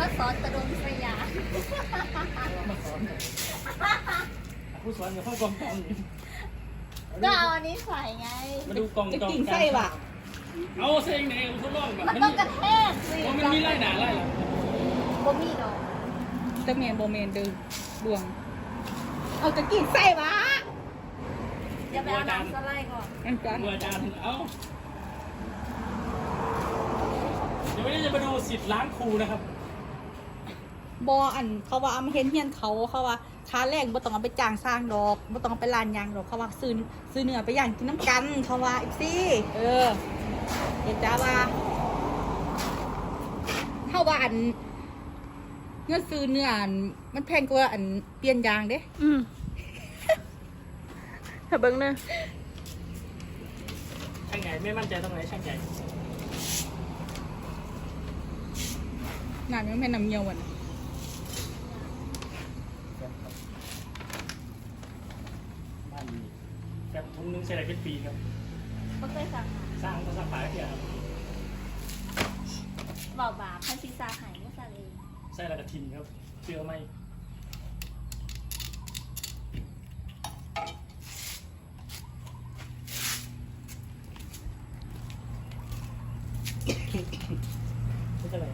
มาสอนตะดงสยามมาสอนผู้สอนกับพ่อกองกองก็เอาอันนี้ใส่ไงมาดูกองจองกินไส้ว่ะเอาเส้นไหนทดลองแบบมันต้องกระแทกสิมันมีไล่หนาไล่หลังบ่มีดอกจะเมนโบเมนเดิมดวงเอาจะกินไส้วะอย่าไปเอาน้ำสไลด์ก่อนอันกันเมื่ออาจารย์เอาเดี๋ยววันนี้จะมาดูสิทธิ์ล้างครูนะครับบออันเขาว่าเอามาเห็นเฮียนเขาว่าค้าแรกบ่ต้องเอาไปจ้างสร้างดอกบ่ต้องเอาไปลานยางดอกเขาว่าซื้อเนื้อไปย่างกินน้ำกันเขาว่าอีกสิเห็นจ้าว่าเขาว่าอันเงินซื้อเนื้ออันมันแพงกว่าอันเปลี่ยนยางเด้ถ้าเบิ่งเด้อช่างใหญ่ไม่มั่นใจตรงไหนช่างใหญ่งานมันไม่นำเงียววันบ้านดีแบบทุงนึงใช้อะไรเป็นปีครับบ่เคยสั่งสร้างต้องสร้างฝาเดียวครับเบาบาพันศีรษะหายไม่สั่งเองใส่อะไรกระทินครับเชื่อไหมไม่ใช่อะไร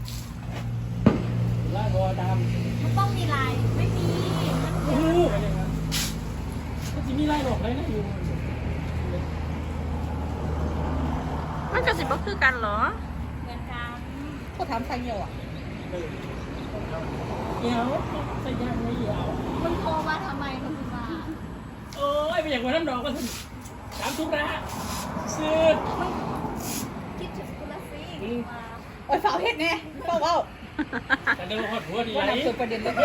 ล่างคอดำมันต้องมีลายไม่มีมันโอ้โหอะไรครับมันจะมีไล่หลอกอะไรนะอยู่มันก็สิบ่คือกันเหรอเหมือนกันเขาถามทางเงียวอ่ะเดี๋ยวใส่ยางไม่เหี่ยวมันโทรมาทำไมคุณมาโอ้ยไปอย่างวันน้ำดอกก็ถึงถามทุกระซื้อคิดถึงคุณละสิมาโอ้ยสาวเฮ็ดแน่เฝ้าแต่เดินหอดหัวดีว่าไรนำสู่ประเด็นเลย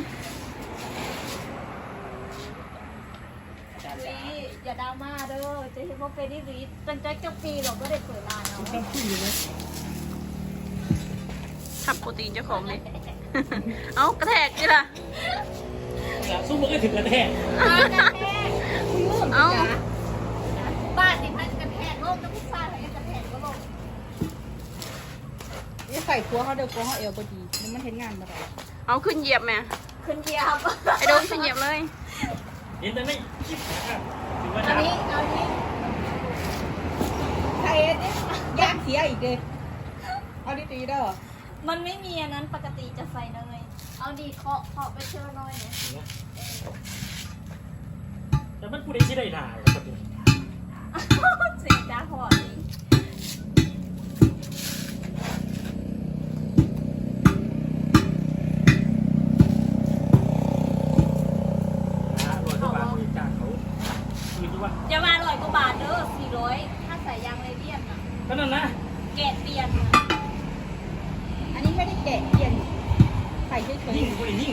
ลีอย่าดราม่าเด้อจะเห็นว่าเป็นนี่ลีตั้งใจจะปีหรอกก็ได้เปิดร้านเนาะต้องพูดอยู่เลยทับโปรตีนเจ้าของเลย เอากระแทกนี่ล่ะสู้มันก็ถึงกระแทกกระแทกเอาบ้านนี่มันกระแทกโลกต้องพิซซ่าอะไรกระแทกก็ลงนี่ใส่ตัวเขาเดียวตัวเขาเอวพอดีมันเห็นงานมาได้เอาขึ้นเหยียบแม่ขึ้นเกียร์ไอ้โดนขึ้นเหยียบเลยเห็นแต่ไม่คิดนะครับถือว่าอันดำนี้เอานี้ใส่เนี่ยย่างเสียอีกเลยเอาดีๆเด้อมันไม่มีอันนั้นปกติจะใส่เนยเอาดีเคาะไปเชื่อน้อยเนี่ยแต่มันพูดได้ที่ได้หนาครับเสียจ้าพอนี่ร้อยกว่าบาทบริจาคเขาคืนด้วยว่าอย่ามา100 กว่าบาทเด้อ400ถ้าใส่ยางไรเดียนอ่ะก็นั่นนะแกะเปลี่ยนอะอันนี้ไม่ได้แกะเปลี่ยนใส่เฉยยิ่งคนยิ่ง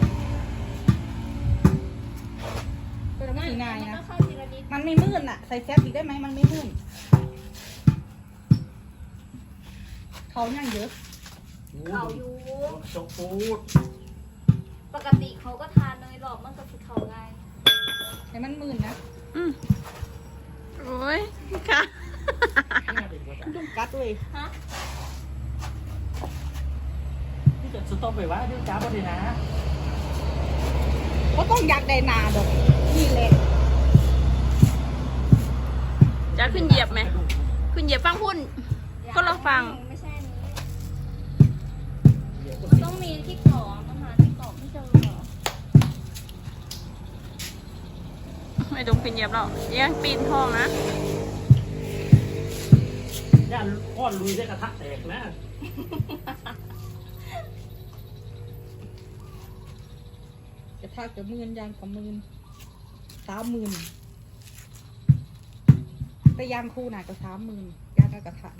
ๆเป็นไม่ง่ายมันนะก็เข้าทีละนิดมันไม่มืดอ่ะใส่แซฟอีกได้ไหมมันไม่มืดเขาย่างเยอะเขาอยู่จกปูดปกติเขาก็ทานเนยหรอกมันก็คือเขาไงแต่มันมืดนะอืมโอ้ยค่ะต้องกัดด้วยฮะที่จะสต๊อปไปว่าด้วยจ้าบดีนะก็ต้องอยากได้นาดอกนี่แหละจะขึ้นเหยียบไหม ขึ้นเหยียบฟังพุ่น ก็เราฟังไม่ใช่อันนี้มันต้องมีที่เกาะมันหาที่เกาะไม่เจอหรอไม่โดนขึ้นเหยียบหรอกยังปีนห้องนะย่านก้อนลุยได้กระทะแตกนะจะทากจะมื่นยางกับมื่น30,000แต่ยางคู่น่ะก็30,000ยางกระทะ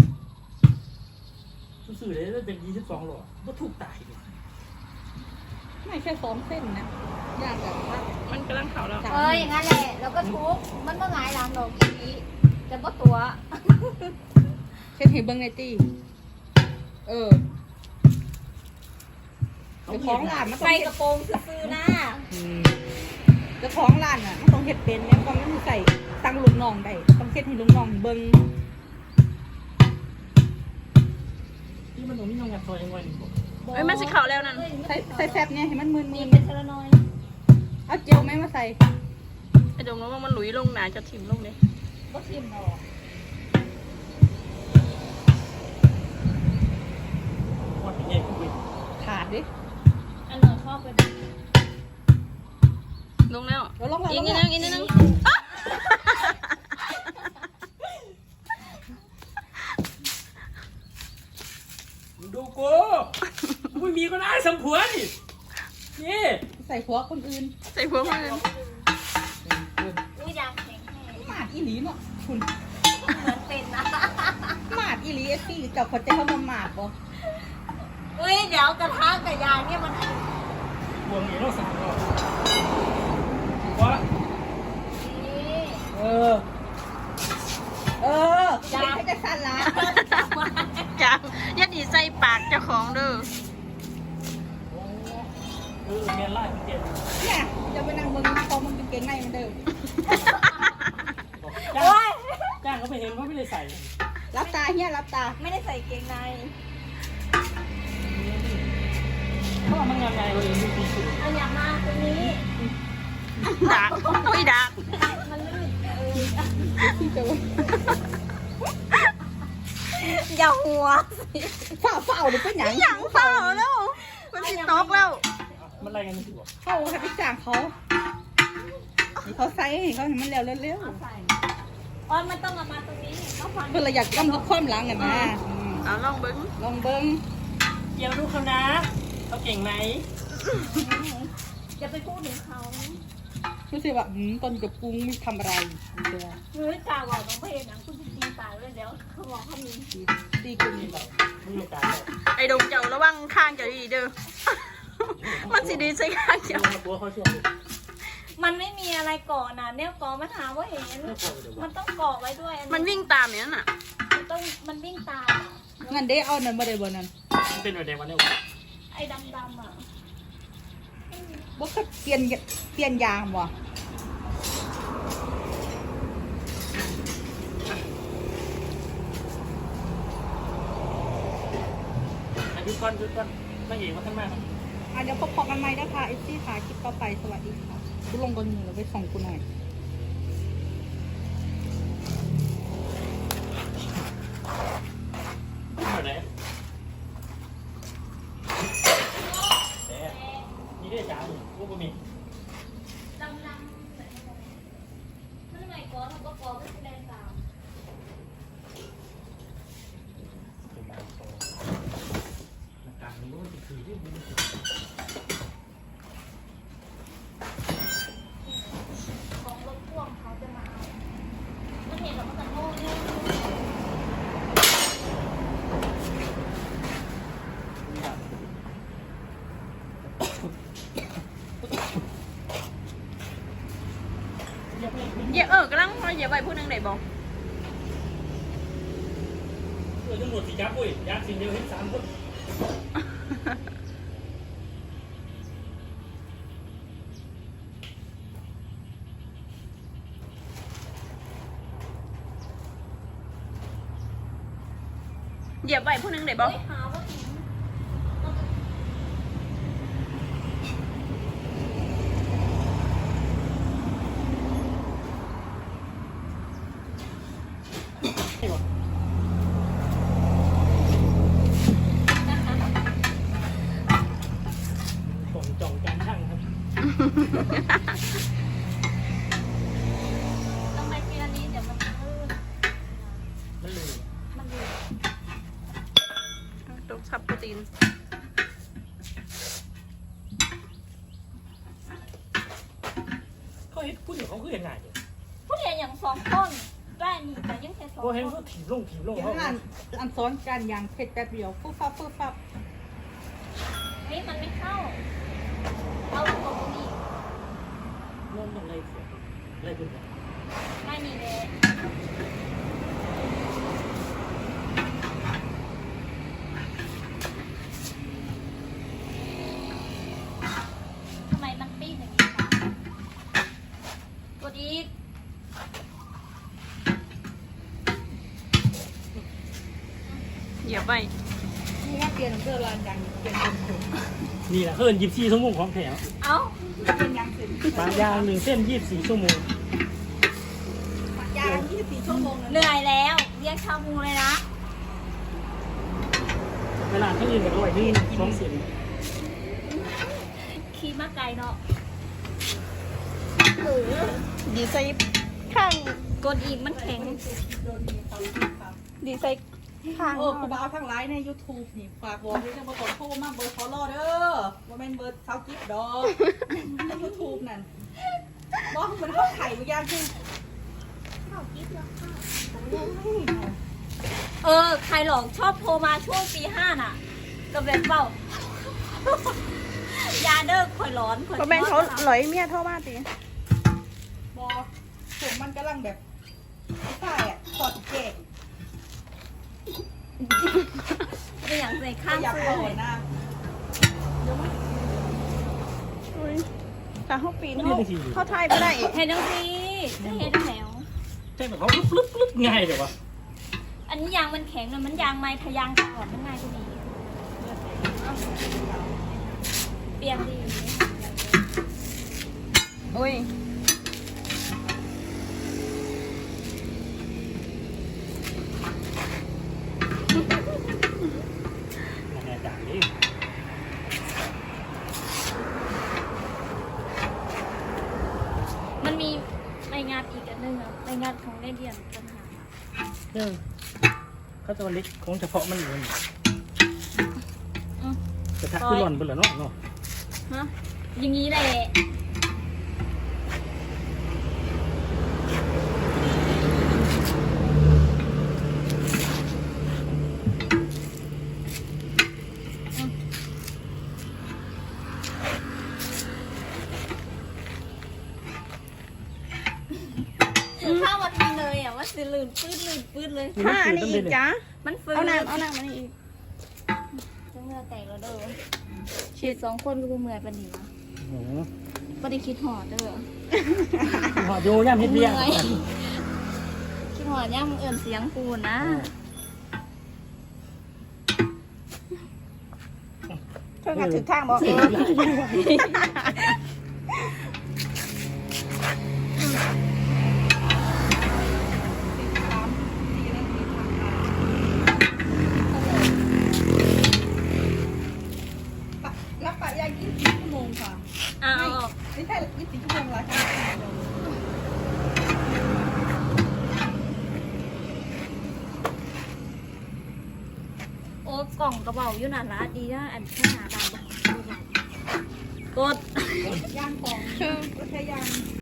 สื่อเลยเป็น22หรอก็ถูกตายดิไม่แค่2 เส้นนะยางกระทะมันกำลังเข่าแล้วอย่างนั้นแหละแล้วก็ทุบมันก็หงายหลังดอกอีนี้แต่ว่าตัวเช่นเห็นเบิ้งในตี้เดี๋ยวของร้านมันต้องใส่เห็กดระโปรงซื้อๆนะเดี๋ยวของร้านอ่ะมันต้องเห็ดเป็นแล้วก็มันใส่ตั้งลูกน้องได้ต้องเห็ดให้ลูกน้องเบิ้งที่มันตรงนี้ยังงัดซอยยังไงเอ้ยมันสิเข่าแล้วนั่นใส่แฟบเนี่ยให้มันมึนมีเป็นเทเลนอยๆเอาเจลไหมมาใส่ไอ้ดงว่ามันหลุยลงหนาจะถิ่มลงเลยก็ทิมออกว่าเป็นยังไงขาดดิอันหนูชอบเป็นลงแล้วเดี๋ยวลงแล้วอีกลงนิดแล้นึวงอีกนิดนึงดูกูไม่มีก็ได้สมผัวนี่นี่ใส่หัวคนอื่นใส่พวกมืออุ้ยยางแข็งแห้งหมาดอีหลีเนาะคุณเหมือนเป็นนะหมาดอีหลีเอฟซี่เจ้าคนใจเขามาหมาดบ่อุ้ยเดี๋ยวกระทะกับยางเนี่ยมันบวงนี้เราสั่งก็ว่านี่เออเป็นให้จะสั่นละจ้ายัดอีใส่ปากเจ้าของเด้อเมียนไล่เมียนเนี่ยจะไปนั่งเบิ่งพอมันเป็นเกงในมันเดิมโอ้ยจ้างเขาไปเห็นเขาไม่ได้ใส่รับตาเฮียรับตาไม่ได้ใส่เกงในเขาเอามางานไงเลยดูดีสุดเอาอย่างมาตรงนี้ดักอุ้ยดักมันลื่นที่จะอย่าหัวสิเฝ้าหรือเป็นหยังหยังเปล่าแล้วมันสิตกแล้วมันอะไรกันสิวะเข้าให้ไปจ้างเขาให้เขาใส่ให้เขาเห็นมันเร็วเร็วเอาใส่อ๋อมันต้องเอามาตรงนี้ต้องฟังเพื่อเราอยากย่ำลึกความหลังกันนะเอาลองเบิ้งลองเบิ้งเดี๋ยวดูเขานะเขาเก่งไหมอย่าไปพูดถึงเขารู้สึกว่าตอนกับปรุงทำอะไรเดี๋ยวหรือกล่าวบอกน้องเพลงนะคุณจะตีตายเลยเดี๋ยวเขาบอกเขามีตีกุนนี่เราไม่มีการเลยไอ้ดงเจ้าระวังข้างเจ้าดีเด้อ มันสิดีใส่ข้างเจ้าตัวเขาช่วยมันไม่มีอะไรเกาะนะเนี่ยเกาะมาถามว่าเห็น มันต้องเกาะไว้ด้วยอัมันวิ่งตามอย่างนั้นน่ะมันวิ่งตามงั้นได้เอานั่นมาได้บ่นั่นมันเป็นอะไรวันนี้วะไอ้ดำอ่ะบ่เคยเปลี่ยนยางบ่หยุดก่อนไม่เห็นว่าท่านมากเดี๋ยวพบกันใหม่นะคะเอฟซีค่ะคลิปต่อไปสวัสดีค่ะกูลงก่อนหนึ่งแล้วไปส่งกูหน่อยเหมือนไหนแต่นี่ได้จ้าลูกก็มีดำมันไม่เกาะมันก็เกาะไม่แสดงตามเป็นบางโซ่หน้าการมันก็จะคือที่มันของรถพ่วงเขาจะมาเอามันเห็นแล้วมันจะโง่เนี่ยเหยียบกำลังเหยียบไปผู้หนึงไหนบอกตำรวจสีจับปุ้ยยากสิ่งเดียวเห็น3 คนเหยียบไปผู้หนึงไหนบอกหาว่าถึงนี่วะผมจองการช่างครับต้องไปทีละนิดเดี๋ยวมันลื่นมันเลยมันลื่นตกซับโปรตีนเขาเห็นผู้หญิงเขาคือเห็นไงเนี่ยผู้เรียนอย่างสองต้นได้นี่แต่ยังแค่สองเขาต้เห็นนเขาถีบลงเดี๋ยวเขาอันซ้อนกันยางเผ็ดแป๊บเดียวปุ๊บปั๊บปุ๊บปั๊บเฮ้ยมันไม่เข้า เอาตรงนี้เริ่มอะไรเสียอะไรขึ้นเนี่ยไม่มีเลยทำไมมันปิ้งอย่างนี้คะกดอีกเหยียบไปนี่ว่าเปลี่ยนเสื้อลานยังเปลี่ยนเป็นถุงนี่แหละเอิ้น24ชั่วโมงของแถวเอ้าเป็นยังสิบางอย่าง1เส้น24ชั่วโมงยาง24ชั่วโมงเหนื่อยแล้วเรียกชาบูเลยนะเวลาที่อื่นก็ร้อยนี่2เส้นขี่มาไกลเนาะดีใส่ข้างกดอีกมันแข็งดีใส่ข้างโอ้กูบ้าทั้งไลน์ใน YouTube นี่ฝากบอกด้วยนะมาขอโทษมากเบอร์ขอรอเด้อว่าเป็นเบอร์เซากิ๊บดอกใน YouTube นั่นบอกเหมือนเขาไข่บางอย่างคือใครหลอกชอบโทรมาช่วงปี5น่ะก็แบบเปล่า ยาเด้อข่อยร้อนข่อยเพราะแม่นเขาหลอยเมียเท่ามาตีบอกผมมันกำลังแบบใช่อ่ะถอดเกะเป็นอย่างใส่ข้างอยากเสื้เอาอหน่อยนะถ้าเขาปีนเขาไทยไม่ได้อีกเห็นจังสิได้เห็นแล้วใช่แบบเขาลึบง่ายเดี๋ยววะอันนี้ยางมันแข็งนะมันยางไม้ทะยางก่อนมันง่ายกว่านี้เปลี่ยนดีอุ้ยแน่จากนี้มันมีรายงานอีกอันหนึงอะรายงานของได้เรียนปัญหาเขาจะเล็กของเฉพาะมันอยู่นี่อืมกระทะคือหล่อนไปแล้วเนาะฮะอย่างนี้แหละข้าวมาทีเลยอ่ะว่าสิลื่นปื้ดเลยถ้าอันนี้อีกจ้ะมันฟื้นเอาน้ำมานี่อีกจะเมื่อแตกแล้วเด้อฉีด2 คนกูเมื่อยปานนี้วะโอ้โหบ่ได้คิดหอดเด้อหอดโยย่ำเฮ็ดเบี้ยมื่อยคิดหอดย่ำเอื่นเสียงกูนะเธองัดถึงทางบอกรับปะยาง24ชั่วโมงค่ะเอาไม่ใช่24ชั่วโมงละค่ะโอ้กล่องกระเป๋าอยู่นั่นละดีนะอันข้างหน้าดำกดยางของรถแค่ยาง